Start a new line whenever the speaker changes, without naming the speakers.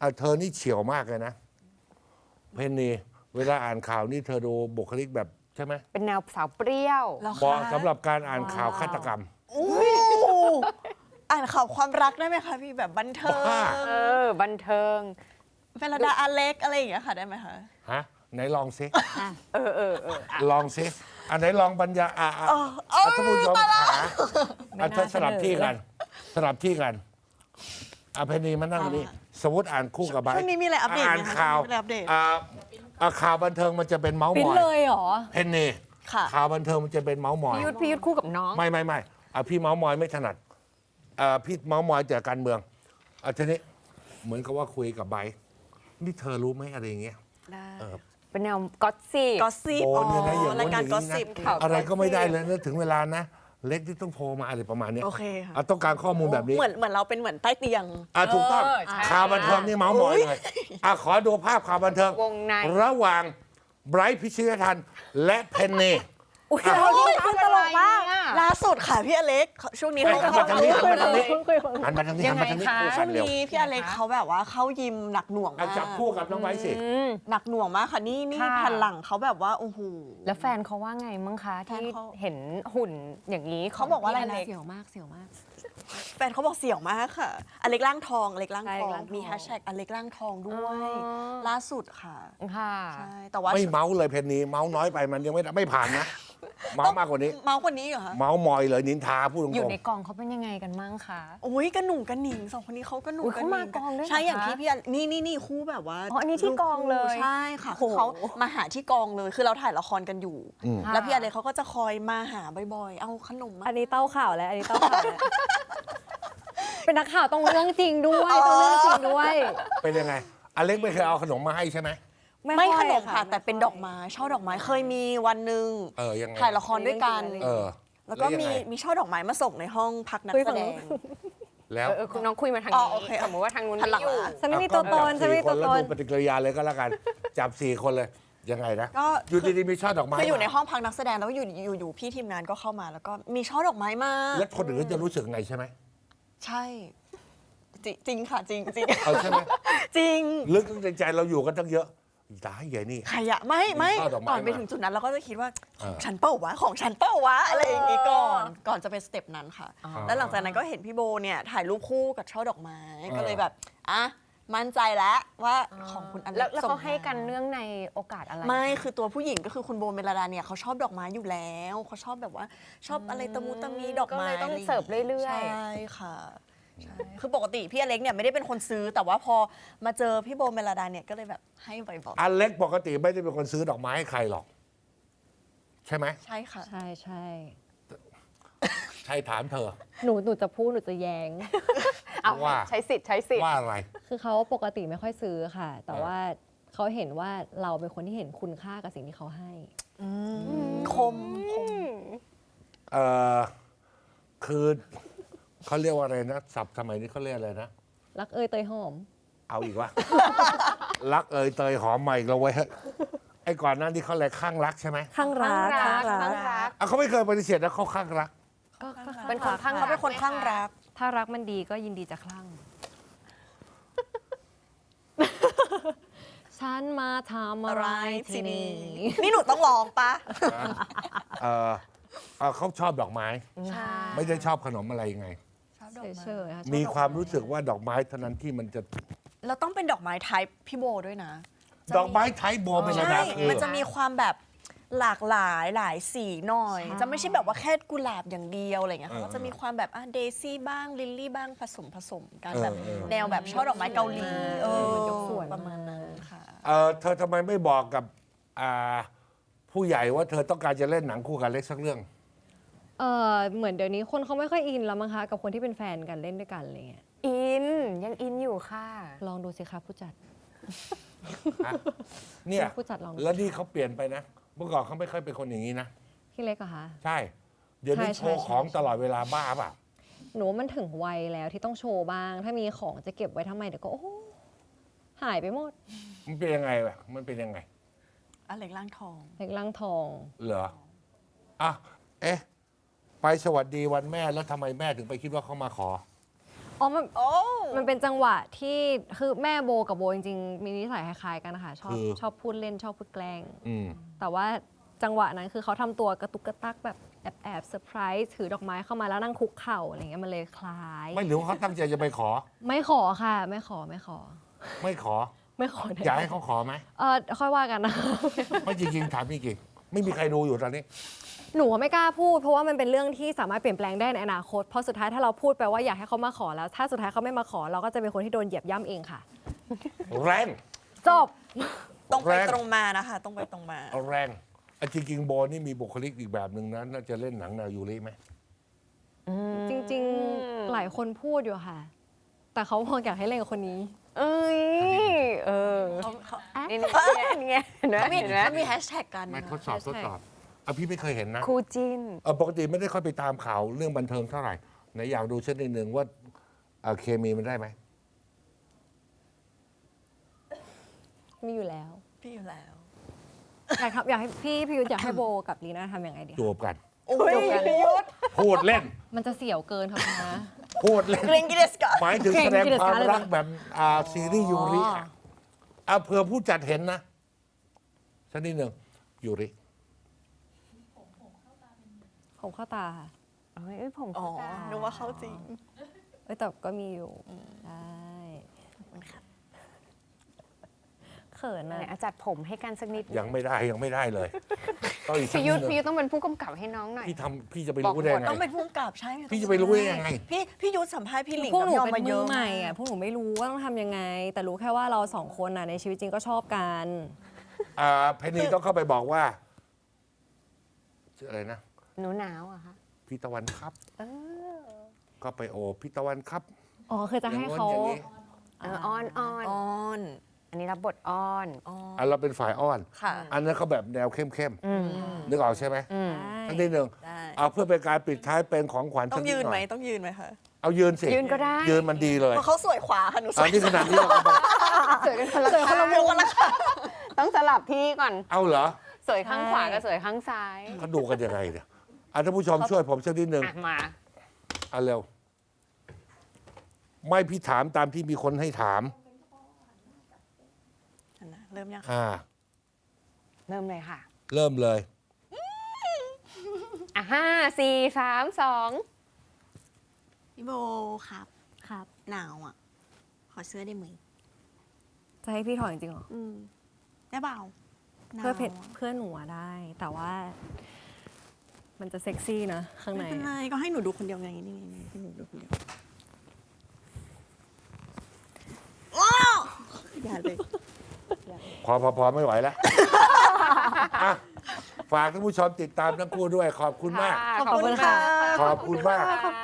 เธอนี่เฉียวมากเลยนะเพนนีเวลาอ่านข่าวนี่เธอดูบุคลิกแบบใช่ไหม
เป็นแนวสาวเปรี้ยว
เหมาะสำหรับการอ่านข่าวฆาตกรรม
อ่านข่าวความรักได้ไหมคะพี่แบบบันเทิง
บ้า
บันเทิง
เฟรดาอาเล็กอะไรอย่างเงี้ยค่ะได้ไหมคะ
ฮะไหนลองซิ
เ
ลองซิอันไหนลองบรรยายท่านผู้ชมขาเธอสลับที่กันสลับที่กันเพนนีมานั่งนี่สมมติอ่านคู่กับไบร์ท
ช่วงนี้มีอะไรอัปเดต
อ่าน
ไหมคะ
ข่าว
มีอะไรอัปเดต
ข่าวบันเทิงมันจะเป็นเมาส์ม
ปิ้น
อย
เลยเหรอ
เพนนี
ค่ะ
ข่าวบันเทิงมันจะเป็นเมาส์มอย
พี่ยุทธคู่กับน้อง
ไม่พี่เมาส์มอยไม่ถนัดพี่เมาส์มอยแต่การเมืองทีนี้เหมือนกับว่าคุยกับไบร์ทนี่เธอรู้ไหมอะไรอย่างเงี้ย
ได้
เป็นแนวก็อตซี่
ก็สิบ
โอ้เนี่ยนะอย่าง
ราย
นู้น
การ
อย่าง
ก็
นี้
สิบ
นะ
ข่าว
อะไรก็ไม่ได้
gossip
เลยนะถึงเวลานะ เล็กที่ต้องโทรมาอะไรประมาณเนี้ย
โอเคค่ะ
ต้องการข้อมูลแบบนี้
เหมือนเราเป็นเหมือนใต้เตียง
ถูกต้อง
ใช่
ข่าวบันเทิงนี่เมาส์มอยเลยขอดูภาพข่าวบันเทิง
วงใน
ระหว่างไบรท์พิชยทันและเพนนี
อุ้ย
อ่ะ
เราดีขึ้นตลกมาก
ล่าสุดค่ะพี่อเล็กช่วงนี้
เฮ้ย
เขา
หันมาทางนี้หันมาทางนี้
คุย
หันมาทางนี้
ยั
หัน
งไง
มาทางนี้
คะ
คู่กั
ช่วน ง
เร็ว
นี้พี่อเล็กเขาแบบว่าเข้ายิมหนักหน่วงมาก
จับคู่กับน้องไบรท์สิ
หนักหน่วงมากค่ะนี่
ค่ะ
แผ่นหลังเขาแบบว่าโอ้โห
แล้วแฟนเขาว่าไงมั้งคะ
แฟน
ที่
เขา
เห็นหุ่นอย่างนี้
เขาบอกว่าอะไรนะ
เสียวมากเสียวมาก
แฟนเขาบอกเสี่ยวมากค่ะอเล็กร่างทองอเล็กร่าง
ใช่
ทอ
อเล็กร่างทอง
งมีแฮชแท็กอเล็กร่างทองด้วย ล่าสุดค่ะ
ค่ะ
ใช่แต่ว่า
ไม่เมาส์เลยเพนนีเมาส์น้อยไปมันยังไม่ผ่านนะ เมาส์มากกว่านี้
เมาส์คนนี้เหรอคะ
เมาส์มอยเลยนินทาพูดตร
อยู่
ง
ในกองเขาเป็นยังไงกันมั่งคะ
โอ้ยกระหนุ่งกระหนิงสองคนนี้เขากระหนุ่ง
อุ๊ย
กระ
เขา
หนิ
มาง กองด้วยเหรอ
ใช่อย่าง
คะ
ที่พี่นี่คู่แบบว่า
อ๋ออันนี้ที่กองเลย
ใช่ค่ะ
โอ้
คือ
โห
เขามาหาที่กองเลยคือเราถ่ายละครกันอยู่
ค่ะ
แล้วพี่อะไรเขาก็จะคอยมาหาบ่อยๆ เอาขนมมา
อันนี้เต้าข่าวแล้ว อันนี้เต้าข่าวแล้ว เป็นนักข่าวต้องเรื่องจริงด้วยต้องเรื่องจริงด้วย
ๆเป็นยังไงอเล็กไม่เคยเอาขนมมาให้ใช่ไหม
ไม่
ค่
ข
อย
นมค่ะ แต่เป็นดอกไม้ช่อดอกไม้เคยมีวันหนึ่ง
ยังไง
ถ่ายละครด้วยกัน แล้วก็
ยัง
มี
ไง
มีช่อดอกไม้มาส่งในห้องพักนัก
คุย
แส
ฝั่ง
ด
นู้
ง
น
แล้ว
คุณน้องคุยมาทาง
อ๋อ
นี้
โอเค
สมมติว่าทางนู้น
หันหลั
ไม่
ง
อยู่
มา
ฉันไม่มีตัวตนฉันไม่มีตัวต
แล้ว
น
ดูปฏิกิริยาเลยก็แล้วกัน จับ4 คนเลยยังไงนะ
ก็
อยู่ดีๆมีช่อดอกไม้
คืออยู่ใน
มา
ห้องพักนักแสดงแล้วอยู่พี่ทีมงานก็เข้ามาแล้วก็มีช่อดอกไม้มา
แล้วคนอื่นก็จะรู้สึกไงใช่ไหม
ใช่จริงค่ะจริงจริง
เอาใช่ไหม
จริง
ลึกในใจเราอยู่กันตั้งเยอะตายใหญ่นี่
ใครอะไม่
มีช่อดอกไม้
ก่อนไป
มา
ถึงจุดนั้นเราก็จะคิดว่า
เออ
ฉันเป้าวะของฉันเป้าวะอะไรอย่างงี้ก่อนจะเป็นสเต็ปนั้นค่ะ แล้วหลังจากนั้นก็เห็นพี่โบเนี่ยถ่ายรูปคู่กับช่อดอกไม้ก็เลยแบบอ่ะมั่นใจแล้วว่าของคุณอเล็ก
แล้ว
ส่ง
เขาให้
ม
กันเนื่องในโอกาสอะไร
ไม่คือตัวผู้หญิงก็คือคุณโบเมลดาเนี่ยเขาชอบดอกไม้อยู่แล้วเขาชอบแบบว่าชอบอะไรตะมูตะมีดอกไม้
ก็เลยต้องเสิร์ฟเรื่อยๆ
ใช่ค่ะใช่คือปกติพี่อเล็กเนี่ยไม่ได้เป็นคนซื้อ แต่ว่าพอมาเจอพี่โบเมลดาเนี่ยก็เลยแบบให้บ่อย
อเล็กปกติไม่ได้เป็นคนซื้อดอกไม้ให้ใครหรอก ใช่ไหม
ๆใช่ค่ะ
ใช่ใช่
ใช่ถามเธอ
หนูจะพูดหนูจะแย้ง
เอา
ว่า
ใช้สิทธิ์ใช้สิทธิ์
ว่าอะไร
คือเขาปกติไม่ค่อยซื้อค่ะ แต่ว่าเขาเห็นว่าเราเป็นคนที่เห็นคุณค่ากับสิ่งที่เขาให้
คม
เอ่อคือเขาเรียกว่าอะไรนะศัพท์สมัยนี้เขาเรียกอะไรนะ
รักเอยเตยหอม
เอาอีกวะ รักเอยเตยหอมใหม่เราไว้ยไอ้ก่อนหนั้นที่เขาอะไรข้างรักใช่ไหม
ข้างรัก
ข้างรัก
ข้างรั
ข้าก งรัก
เขาไม่เคยปฏิเสธนะเขาข้างรัก
ก็
เป็นคนข้าง
เขาเป็นคนข้างรัก
ถ้ารักมันดีก็ยินดีจะคลั่ง ฉันมาทำอะไรที่นี่
นี่หนูต้องลองปะ
เอ่อเขาชอบดอกไม้
ใช่
ไม่ได้ชอบขนมอะไรยังไง
เฉยๆค่ะ
มีความรู้สึกว่าดอกไม้เท่านั้นที่มันจะ
เราต้องเป็นดอกไม้ไทป์พี่โบด้วยนะ
ดอกไม้ไทยโบเป็นระ
ใช่
ดับคือ
มันจะมีความแบบหลากหลายหลายสีหน่อย จะไม่ใช่แบบว่าแค่กุหลาบอย่างเดียวอะไรเงี้ยเขาก็จะมีความแบบเดซี่บ้างลิลลี่บ้างผสมกันแบบแนวแบบช่อดอกไม้เกาหลีประมาณนั้นค่ะ
เธอทำไมไม่บอกกับผู้ใหญ่ว่าเธอต้องการจะเล่นหนังคู่กับเล็กสักเรื่อง
เหมือนเดี๋ยวนี้คนเขาไม่ค่อยอินแล้วมั้งคะกับคนที่เป็นแฟนกันเล่นด้วยกันอะไรเงี้ย
อินยังอินอยู่ค่ะ
ลองดูสิคะผู้จัด
เนี่ย
ผู้จัดลองดู
แล้วนี่เขาเปลี่ยนไปนะ เมื่อก่อนเขาไม่ค่อยเป็นคนอย่างนี้นะ
พี่เล็กเหรอคะ
ใช่ เดี๋ยวนี้
ใช่
โชว์
ใช่
ของ
ใช่
ตลอดเวลาบ้าเปล่ะ
หนูว่ามันถึงวัยแล้วที่ต้องโชว์บ้าง ถ้ามีของจะเก็บไว้ทำไมเดี๋ยวก็โอ้โหหายไปหมด
มันเป็นยังไงวะมันเป็นยังไง
อเล็กร่างทอง
เล็กล่างทอง
เหรอไปสวัสดีวันแม่แล้วทำไมแม่ถึงไปคิดว่าเขามาขอ
อ๋อ
โอ้
มันเป็นจังหวะที่คือแม่โบกับโบจริงๆมีนิสัยคล้ายๆกันนะคะชอบพูดเล่นชอบพูดแกล้ง
อืม
แต่ว่าจังหวะนั้นคือเขาทำตัวกระตุกกระตักแบบแอบเซอร์ไพรส์ถือดอกไม้เข้ามาแล้วนั่งคุกเข่าอะไรเงี้ยมันเลยคล้าย
ไม่หรือว่าเขาตั้งใจจะไปขอ
ไม่ขอค่ะ ไม่ขอ
ไม่ขอ
แน่
อยากให้เขาขอไหม
ค่อยว่ากันนะ
ไม่จริงๆถามจริงๆไม่มีใครดูอยู่ตอนนี้
หนูไม่กล้าพูดเพราะว่ามันเป็นเรื่องที่สามารถเปลี่ยนแปลงได้ในอนาคตเพราะสุดท้ายถ้าเราพูดไปว่าอยากให้เขามาขอแล้ว ถ้าสุดท้ายเขาไม่มาขอเราก็จะเป็นคนที่โดนเหยียบย่ำเองค่ะ
แรง
จบ
ตรงไป
แรง
ตรงมานะคะตรงไปตรงมา
แรงจริงๆโบนี่มีบุคลิกอีกแบบหนึ่งนะน่าจะเล่นหนังแนวยูริไหม
จริงๆหลายคนพูดอยู่ค่ะ แต่เขาบอกอยากให้เล่นกับคนนี้
เอ้ย เออ นี่นี่ไงเห็นไหม
เขามี
เห็นไหม
เขามีแฮชแท็กกัน
ไม่ทดสอบพี่ไม่เคยเห็นนะ
คู่จิ้น
ปกติไม่ได้ค่อยไปตามข่าวเรื่องบันเทิงเท่าไหร่ไหนอยากดูเช่นนิดนึงว่าเคมีมันได้ไหม
มีอยู่แล้ว
พี่อยู่แล้ว
อยากให้พี่ยุทธอยากให้โบกับลีน่าทำยังไงดี
จูบกัน
โอ้ย
พูดเล่น
มันจะเสี่ยวเกินค่ะคุณนะ
พูดเล่น
เกรงกิเลสกะ
หมายถึง
เก่ง
แสดง
กิจ
ควา
การ
ม
เลย
รักแบบซีรีส์ยูริเผื่อผู้จัดเห็นนะสักนิดหนึ่งยูริ
ผมเข้าตาค่ะ
เอ้ยผม
อ๋อ
เข้าตา
นึกว่าเข้าจริง
แต่ก็มีอยู่ใช่เขิน
ไหน
อะ
จัดผมให้กันสักนิด
ยังไม่ได้เลยต้องอีกสัก
พี่
นิ
ยุ
ด
ทธ
นึง
พี่ยุทธต้องเป็นผู้กำกับให้น้องหน่อย
พี่จะไปรู้ได้ไง
ต้องเป็นผู้กำกับใช่ไหม
พี่จะไปรู้ได้ยังไง
พี่ยุทธสัมภาษณ์พี่หลิง
พวก
กับ
หนู
พี่ออม
เป็
มาน เย
มือ
อะ
ใหม่อะพวกหนูไม่รู้ว่าต้องทำยังไง แต่รู้แค่ว่าเราสองคนน่ะในชีวิตจริงก็ชอบกัน
เพนนีต้องเข้าไปบอกว่าชื่ออะไรนะ
หนูหนาวอะคะ
พี่ตะวันครับ
เออ
ก็ไปโอพี่ตะวันครับ
อ๋อคือจะให้เขา
อย่างนี้
อ้อนอ้อน
ออน
อันนี้รับบทอ้อน
เราเป็นฝ่ายอ้อน
ค่ะ
อันนั้นเขาแบบแนวเข้มๆนึกออกใช่ไหม
ใช่
อันที่หนึ่ง
ได้
เอาเพื่อเป็นการปิดท้ายเป็นของขวัญ
ต้องยืนไหม
สักด
ต้องยืนไหมคะ
เอายืนสิ
ยืนก็ได้
ยืนมันดีเลย
เพราะเขาสวยขวาค่ะหนูส
อั
วน ย
นี้ขนาดนี้เราก็บอก
สวยกันคนละ
สวยคนละมุมกันนะคะ
ต้องสลับที่ก่อน
เอาเหรอ
สวยข้างขวากับสวยข้างซ้าย
เขาดูกันยังไงเนี่ยท่านผู้ชมช่วยผมสักนิดหนึ่ง
อ่ะมา
เอาเร็วไม่พี่ถามตามที่มีคนให้ถาม
เริ่มยัง
เริ่มเลยค่ะ
เริ่มเลย
อ่ะ5 4 3 2
พี่โบครับ
ครับ
หนาวอ่ะ ขอเสื้อได้ไหม
จะให้พี่ถอยจริงเหรอ
ได้เปล่าหนาว
เพื่อนหนูอะได้ แต่ว่า มันจะเซ็กซี่นะข้างใน
ไม่เป็นไรก็ให้หนูดูคนเดียวไงนี่ให้หนูดูคนเดียวว้าวอย่าเลย
พอไม่ไหวแล้ว อ่ะฝากท่านผู้ชมติดตามทั้งคู่ด้วย ขอบคุณมาก
ขอบคุณค่ะ
ขอบคุณมาก